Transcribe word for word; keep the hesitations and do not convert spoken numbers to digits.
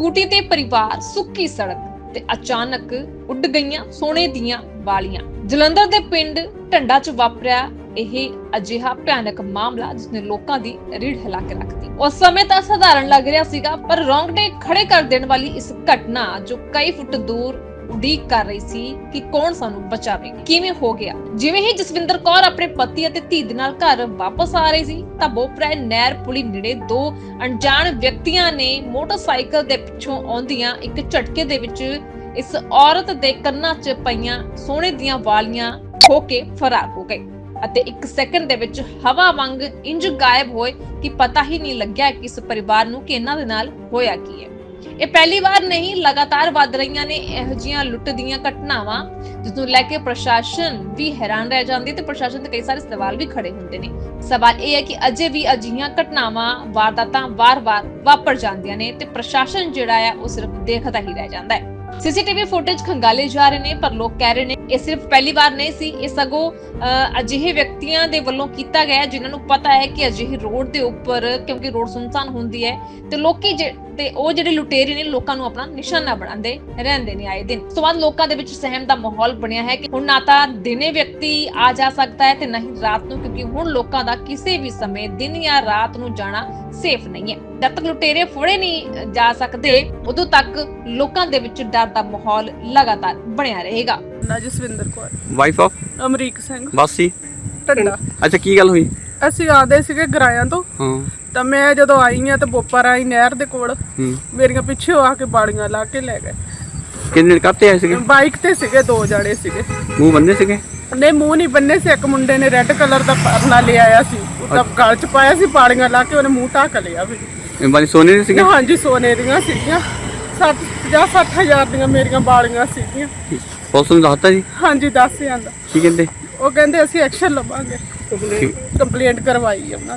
Scooty ਤੇ ਪਰਿਵਾਰ ਸੁੱਕੀ ਸੜਕ ਤੇ ਅਚਾਨਕ ਉੱਡ ਗਈਆਂ ਸੋਨੇ ਦੀਆਂ ਵਾਲੀਆਂ। ਜਲੰਧਰ ਦੇ ਪਿੰਡ ਢੰਡਾ 'ਚ ਵਾਪਰਿਆ ਇਹ ਅਜਿਹਾ ਭਿਆਨਕ ਮਾਮਲਾ ਜਿਸ ਨੇ ਲੋਕਾਂ ਦੀ ਰੀੜ ਹਿਲਾ ਕੇ ਰੱਖਤੀ। ਉਸ ਸਮੇਂ ਤਾਂ ਸਧਾਰਨ ਲੱਗ ਰਿਹਾ ਸੀਗਾ, ਪਰ ਰੌਂਗਟੇ ਖੜੇ ਕਰ ਦੇਣ ਵਾਲੀ ਇਸ ਘਟਨਾ ਜੋ ਕਈ ਫੁੱਟ ਦੂਰ ਉਡੀਕ ਕਰ ਰਹੀ ਸੀ ਕਿ ਕੌਣ ਸਾਨੂੰ ਬਚਾਵੇਗਾ, ਕਿਵੇਂ ਹੋ ਗਿਆ। ਜਿਵੇਂ ਹੀ ਜਸਵਿੰਦਰ ਕੌਰ ਆਪਣੇ ਪਤੀ ਅਤੇ ਧੀ ਦੇ ਨਾਲ ਘਰ ਵਾਪਸ ਆ ਰਹੀ ਸੀ ਤਾਂ ਬੋਪਰਾ ਨਹਿਰ ਪੁਲੀ ਨੇੜੇ ਦੋ ਅਣਜਾਣ ਵਿਅਕਤੀਆਂ ਨੇ ਮੋਟਰਸਾਈਕਲ ਦੇ ਪਿੱਛੋਂ ਆਉਂਦੀਆਂ ਇੱਕ ਝਟਕੇ ਦੇ ਵਿੱਚ ਇਸ ਔਰਤ ਦੇ ਕੰਨਾਂ 'ਚ ਪਈਆਂ ਸੋਨੇ ਦੀਆਂ ਵਾਲੀਆਂ ਖੋ ਕੇ ਫਰਾਰ ਹੋ ਗਏ ਅਤੇ ਇੱਕ ਸੈਕਿੰਡ ਦੇ ਵਿੱਚ ਹਵਾ ਵਾਂਗ ਇੰਜ ਗਾਇਬ ਹੋਏ ਕਿ ਪਤਾ ਹੀ ਨਹੀਂ ਲੱਗਿਆ ਕਿ ਇਸ ਪਰਿਵਾਰ ਨੂੰ ਕਿ ਇਹਨਾਂ ਦੇ ਨਾਲ ਹੋਇਆ ਕੀ ਹੈ। ਇਹ ਪਹਿਲੀ ਵਾਰ ਨਹੀਂ, ਲਗਾਤਾਰ ਵੱਧ ਰਹੀਆਂ ਨੇ ਇਹੋ ਜਿਹੀਆਂ ਲੁੱਟ ਦੀਆਂ ਘਟਨਾਵਾਂ, ਜਿਸ ਨੂੰ ਲੈ ਕੇ ਪ੍ਰਸ਼ਾਸਨ ਵੀ ਹੈਰਾਨ ਰਹਿ ਜਾਂਦੀ ਤੇ ਪ੍ਰਸ਼ਾਸਨ ਤੇ ਕਈ ਸਾਰੇ ਸਵਾਲ ਵੀ ਖੜੇ ਹੁੰਦੇ ਨੇ। ਸਵਾਲ ਇਹ ਹੈ ਕਿ ਅਜੇ ਵੀ ਅਜਿਹੀਆਂ ਘਟਨਾਵਾਂ, ਵਾਰਦਾਤਾਂ ਵਾਰ-ਵਾਰ ਵਾਪਰ ਜਾਂਦੀਆਂ ਨੇ ਤੇ ਪ੍ਰਸ਼ਾਸਨ ਜਿਹੜਾ ਹੈ ਉਹ ਸਿਰਫ ਦੇਖਦਾ ਹੀ ਰਹਿ ਜਾਂਦਾ ਹੈ। ਸੀਸੀਟੀਵੀ ਫੁਟੇਜ ਖੰਗਾਲੇ ਜਾ ਰਹੇ ਨੇ, ਪਰ ਲੋਕ ਕਹਿ ਰਹੇ ਨੇ ਇਹ ਸਿਰਫ ਪਹਿਲੀ ਵਾਰ ਨਹੀਂ ਸੀ, ਇਹ ਸਗੋਂ ਅਜਿਹੇ ਵਿਅਕਤੀਆਂ ਦੇ ਵੱਲੋਂ ਕੀਤਾ ਗਿਆ ਜਿਨ੍ਹਾਂ ਨੂੰ ਪਤਾ ਹੈ ਕਿ ਅਜਿਹੇ ਰੋਡ ਦੇ ਉੱਪਰ, ਕਿਉਂਕਿ ਰੋਡ ਸੁੰਨਸਾਨ ਹੁੰਦੀ ਹੈ ਤੇ ਲੋਕੀ ਤੇ ਉਹ ਜਿਹੜੇ ਲੁਟੇਰੇ ਨੇ ਲੋਕਾਂ ਨੂੰ ਆਪਣਾ ਨਿਸ਼ਾਨਾ ਬਣਾਉਂਦੇ ਰਹਿੰਦੇ ਨੇ ਆਏ ਦਿਨ। ਉਸ ਤੋਂ ਬਾਅਦ ਲੋਕਾਂ ਦੇ ਵਿੱਚ ਸਹਿਮ ਦਾ ਮਾਹੌਲ ਬਣਿਆ ਹੈ ਕਿ ਹੁਣ ਨਾ ਤਾਂ ਦਿਨੇ ਵਿਅਕਤੀ ਆ ਜਾ ਸਕਦਾ ਹੈ ਤੇ ਨਾ ਹੀ ਰਾਤ ਨੂੰ, ਕਿਉਂਕਿ ਹੁਣ ਲੋਕਾਂ ਦਾ ਕਿਸੇ ਵੀ ਸਮੇਂ ਦਿਨ ਜਾਂ ਰਾਤ ਨੂੰ ਜਾਣਾ ਸੇਫ ਨਹੀਂ ਹੈ। ਜਦ ਤੱਕ ਲੁਟੇਰੇ ਫੜੇ ਨਹੀਂ ਜਾ ਸਕਦੇ ਉਦੋਂ ਤੱਕ ਲੋਕਾਂ ਦੇ ਵਿੱਚ ਡਰ ਦਾ ਮਾਹੌਲ ਲਗਾਤਾਰ ਬਣਿਆ ਰਹੇਗਾ। ਨਾ ਜਸਵਿੰਦਰ ਕੌਰ, ਵਾਈਫ ਆਫ ਅਮਰੀਕ ਸਿੰਘ, ਬਾਸੀ ਢੰਡਾ। ਅੱਛਾ, ਕੀ ਗੱਲ ਹੋਈ? ਅਸੀਂ ਆਦੇ ਸੀਗੇ ਗਰਾਇਆਂ ਤੋਂ, ਹਾਂ ਤਾਂ ਮੈਂ ਜਦੋਂ ਆਈ ਆ ਤਾਂ ਬੋਪਰ ਆਈ ਨਹਿਰ ਦੇ ਕੋਲ, ਹੂੰ ਮੇਰੀਆਂ ਪਿੱਛੇ ਆ ਕੇ ਬਾੜੀਆਂ ਲਾ ਕੇ ਲੈ ਗਏ। ਕਿੰਨੇ ਕਾਤੇ ਆਏ ਸੀਗੇ? ਬਾਈਕ ਤੇ ਸੀਗੇ, ਦੋ ਜਾਣੇ ਸੀਗੇ। ਮੂੰਹ ਬੰਨੇ ਸੀਗੇ? ਨਹੀਂ, ਮੂੰਹ ਨਹੀਂ ਬੰਨੇ ਸੀ। ਇੱਕ ਮੁੰਡੇ ਨੇ ਰੈੱਡ ਕਲਰ ਦਾ ਪਰਨਾ ਲਿਆ ਆਇਆ ਸੀ, ਉਹ ਤਾਂ ਗਲ ਚ ਪਾਇਆ ਸੀ, ਬਾੜੀਆਂ ਲਾ ਕੇ ਉਹਨੇ ਮੂੰਹ ਢੱਕ ਲਿਆ ਵੀ। ਇਹ ਬਾਰੀ ਸੋਨੇ ਦੇ ਸੀਗੇ? ਹਾਂਜੀ, ਸੋਨੇ ਦੀਆਂ ਸੀਗੀਆਂ। ਸੱਠ ਪੰਜਾਹ ਸੱਠ ਹਜ਼ਾਰ ਦੀਆਂ ਮੇਰੀਆਂ ਬਾੜੀਆਂ ਸੀਗੀਆਂ। ਪੁਲਿਸ ਨੂੰ ਦੱਸਤਾ ਜੀ? ਹਾਂਜੀ, ਦੱਸ ਜਾਂਦਾ। ਕੀ ਕਹਿੰਦੇ? ਉਹ ਕਹਿੰਦੇ ਅਸੀਂ ਐਕਸ਼ਨ ਲਵਾਂਗੇ, ਕੰਪਲੇਂਟ ਕਰਵਾਈ ਉਹਨਾਂ